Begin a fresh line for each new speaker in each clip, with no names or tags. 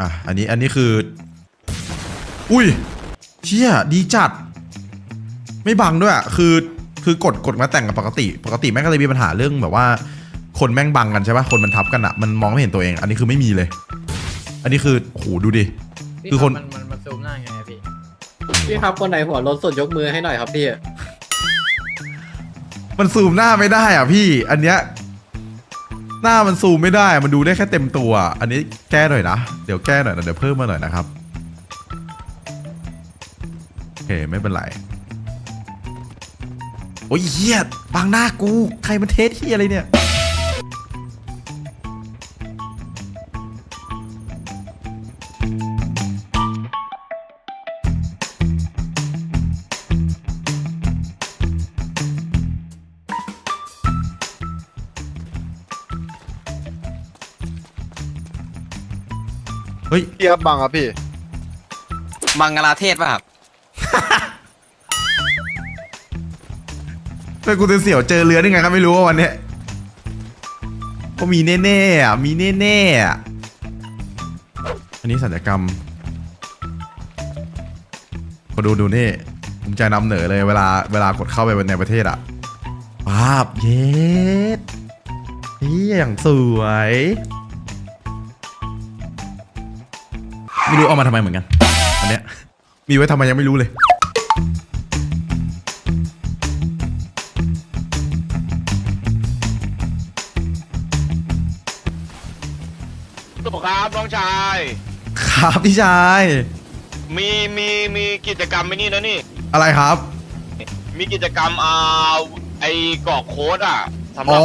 อันนี้คืออุ้ยเชี่ยดีจัดไม่บังด้วยคือกดมาแต่งกับปกติแม่งก็เลยมีปัญหาเรื่องแบบว่าคนแม่งบังกันใช่ปะคนมันทับกันอะมันมองไม่เห็นตัวเองอันนี้คือไม่มีเลยอันนี้คือโอ้โหดูดิคือคน
มันซูมหน้าไง
พี่ครับคนไหนหัวรถสดยกมือให้หน่อยครับพี่
มันซูมหน้าไม่ได้อ่ะพี่อันเนี้ยหน้ามันซูมไม่ได้มันดูได้แค่เต็มตัวอันนี้แก้หน่อยนะเดี๋ยวแก้หน่อยนะเดี๋ยวเพิ่มมาหน่อยนะครับโอเคไม่เป็นไรโอ้ยเฮียบางหน้ากูใครมันเทสเฮียอะไรเนี่ยเฮ้ย
พี่ครับบังครับพี่
บังกลาเทศป่ะครับ
แต่กูจะเสี่ยวเจอเรือได้ไงครับไม่รู้ว่าวันเนี้ยก็มีแน่ๆอ่ะมีแน่ๆอ่ะอันนี้ศัลยกรรมก็ดูนี่ผมใจนำเหนือเลยเวลากดเข้าไปในประเทศอ่ะป๊าบเย็ดนี่อย่างสวยไม่รู้เอามาทำไมเหมือนกันอันเนี้ยมีไว้ทำไมยังไม่รู้เลย
ตัวครับน้องชาย
ครับพี่ชาย
มีกิจกรรมไม่นี่นะนี่
อะไรครับ
มีกิจกรรมไอ้กรอกโค้ดสำหรับ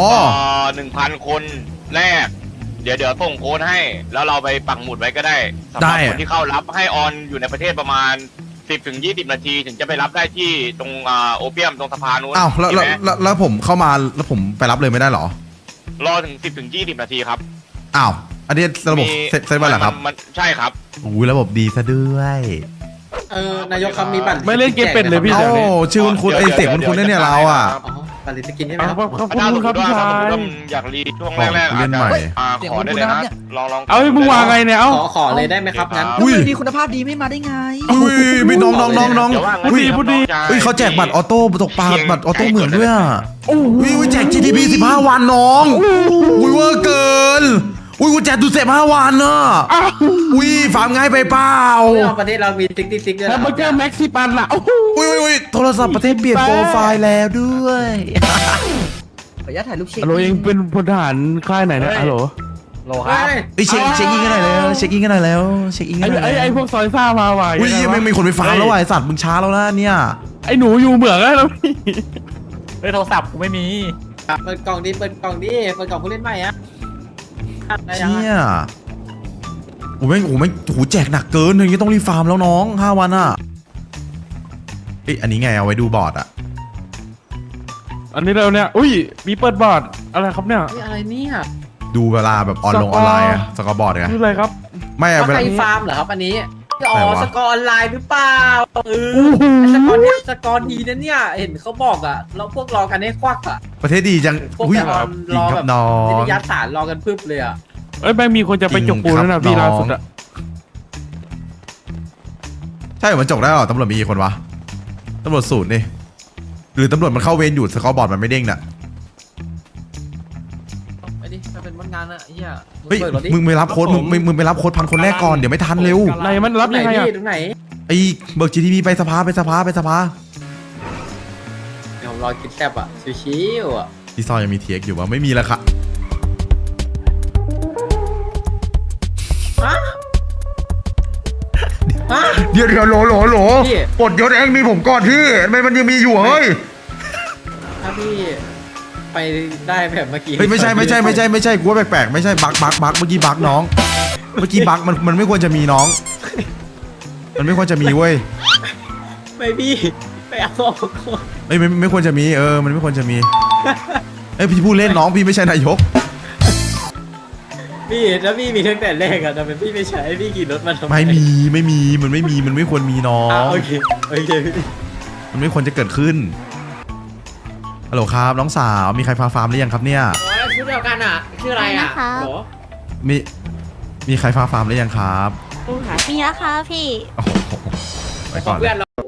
1,000 คนแรกเดี๋ยวส่งโค้ดให้แล้วเราไปปักหมุดไว้ก็ได้สำหรับคนที่เข้ารับให้ออนอยู่ในประเทศประมาณ10-20 นาทีถึงจะไปรับได้ที่ตรงโอเปียมตรงสะพานนู้น
อ้าวแล้วผมเข้ามาแล้วผมไปรับเลยไม่ได้หรอ
รอถึง10-20 นาทีครับ
อ้าวอันนี้ระบบเซ็ตไว้เหรอครับ
ใช่ครับ
โอ้ยระบบดีซะด้วย
นายกคำมีบัตร
ไม่เล่นเกมเป็นเลยพี่
โอ้ชื่อคุณไอเสียงคุณเนี่ยเราอ่ะ
บัตรสกินใช่ไหมครับ
ขอบคุณครับพี่ชาย
อยากรีช่วงแรกๆ
เล่นใหม่
ขอได้เลยนะลอง
เอามึงวางไงเนี่ย
ขอเลยได้ไหมครับงั้น
ดีคุณภาพดีไม่มาได้ไง
อุ้ยไม่น้อง
อุ้ยพูดดี
เขาแจกบัตรออโต้ตกปลาบัตรออโต้เหมือนด้วยอ่ะอุ้ยแจก GTP 15 วันน้องอุ้ยเวอร์เกินอุ้ยกูแจกดูเสพ5 วันเนอะอุ้ยฟาร์มง่ายไปเปล่า
ประเทศเรามีติ๊กด้วย
แล้วเบอร์เกอร์แม็กซี่ปันล่ะ
อุ้ยโทรศัพท์ประเทศเปลี่ยนโปรไฟล์แล้วด้วย
ขออนุญาตถ่ายรูปเช็ค
ฮัลโหลเองเป็นพลทหารค่ายไหนนะฮัลโหล
ครับ
เช็คอินกันหน่อยแล้วเช็คอินกันหน่อยแล้ว
ไอ้พวกซอยซ่ามาว่ะ
อุ้ยยังไม่มีคนไปฟาร์มแล้วว่ะไอสัตว์มึงช้าแล้วนะเนี่ย
ไอ้หนูอยู่เหมืองแล้วพี่
โทรศัพท์กูไม่มี
เปิดกล่องดิเปิดกล่องผู้เล่นใหม่อะ
เนี่ยโอ้แม่งแจกหนักเกินอย่างนี้ต้องรีฟาร์มแล้วน้อง5 วันอ่ะอันนี้ไงเอาไว้ดูบอร์ดอ่ะ
อันนี้เราเนี่ยอุ้ยมีเปิดบอร์ดอะไรครับเนี่ย
อะไรเนี่ย
ดูเวลาแบบออนไลน์อะสกอร์บอร์ดไง
คืออะไรครับ
ไม่
ใครฟาร์มเหรอครับอันนี้สกอร์ออนไลน์หรือเปล่าสกอร์ดีนะเนี่ยเห็นเขาบอกอ่ะเราพวกรอกันให้ควักอ่ะ
ประเทศดีจัง
อุ้ยรอแบบน้องนิยัดสารรอกันพึบเลยอ่ะ
แม่งมีคนจะไปจกปูแล้วนะพี่ล่าสุดอะ
ใช่มันจกได้หรอตำรวจมีกี่คนวะตำรวจ0นี่หรือตำรวจมันเข้าเวรอยู่สกอร์บอร์ดมันไม่เด้งน่ะ
ไปดิไปเป็นวันงานอะเฮีย
เฮ้ยมึงไปรับโค้ดมึงไปรับโค้ด1,000 คนแรกก่อนเดี๋ยวไม่ทันเร็ว
ไหนมันรับยังไงอะ
ตรงไหน
ไอ้เบิก GTP ไปสภาเ
ดี๋ยวรอกินแซ่บอะชิวๆอะ
ที่ซอยยังมีเทียกอยู่วะไม่มีแล้วค่ะเดี๋ยวโหลปลดยศเองมีผมก่อนที่มันยังมีอยู่เฮ้ย
ถ้าพี่ไปได้แบบเมื่อกี้
ไม่ใช่กูว่าแปลกๆไม่ใช่บักเมื่อกี้บักน้องเมื่อกี้บักมันไม่ควรจะมีน้องมันไม่ควรจะมีเว้ย
ไม่พี่ไปเอาออกก่อน
ไม่ควรจะมีมันไม่ควรจะมีพี่พูดเล่นน้องพี่ไม่ใช่นายก
พี่แล้วพี่มีตั้งแต่แรกอะแต่เป็นพี่ไม่ใช้พี่ขี่รถมาทำไม
ไม่มีมันไม่ควรมีน้อง
โอเคพี่
มันไม่ควรจะเกิดขึ้นฮัลโหลครับน้องสาวมีใครพาฟาร์มหรือยังครับเนี่ย
ชื่อเดียวกันอะชื่ออะไรอะ
มีใครพาฟาร์มหรือยังครับ
มีราคาพี่
โอ้โหไปก่อนเล
เพื่
ย
อนเรา